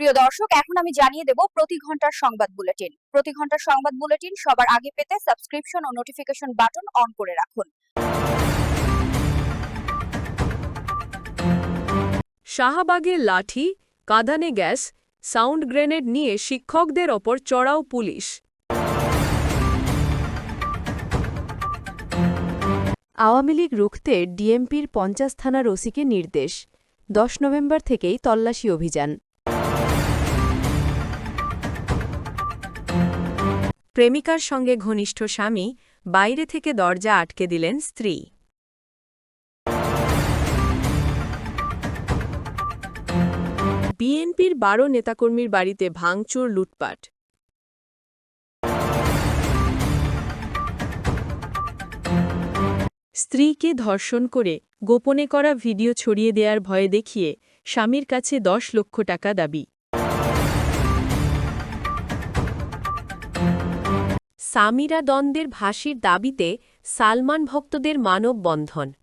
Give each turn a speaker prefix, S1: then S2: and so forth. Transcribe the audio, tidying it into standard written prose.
S1: প্রিয় দর্শক, এখন আমি জানিয়ে দেব প্রতি ঘন্টার সংবাদ বুলেটিন। প্রতি ঘন্টার সংবাদ বুলেটিন সবার আগে পেতে সাবস্ক্রিপশন ও নোটিফিকেশন বাটন অন করে রাখুন।
S2: শাহবাগে লাঠি, কাঁদানে গ্যাস, সাউন্ড গ্রেনেড নিয়ে শিক্ষকদের ওপর চড়াও পুলিশ।
S3: আওয়ামী লীগ রুখতে ডিএমপির ৫০ থানার ওসিকে নির্দেশ, ১০ নভেম্বর থেকেই তল্লাশি অভিযান।
S2: প্রেমিকার সঙ্গে ঘনিষ্ঠ স্বামী, বাইরে থেকে দরজা আটকে দিলেন স্ত্রী। বিএনপির ১২ নেতাকর্মীর বাড়িতে ভাঙচুর, লুটপাট। স্ত্রীকে ধর্ষণ করে গোপনে করা ভিডিও ছড়িয়ে দেওয়ার ভয়ে দেখিয়ে স্বামীর কাছে ১০ লক্ষ টাকা দাবি। সামিরা দ্বন্দ্বের ফাঁসির দাবিতে সালমান ভক্তদের মানববন্ধন।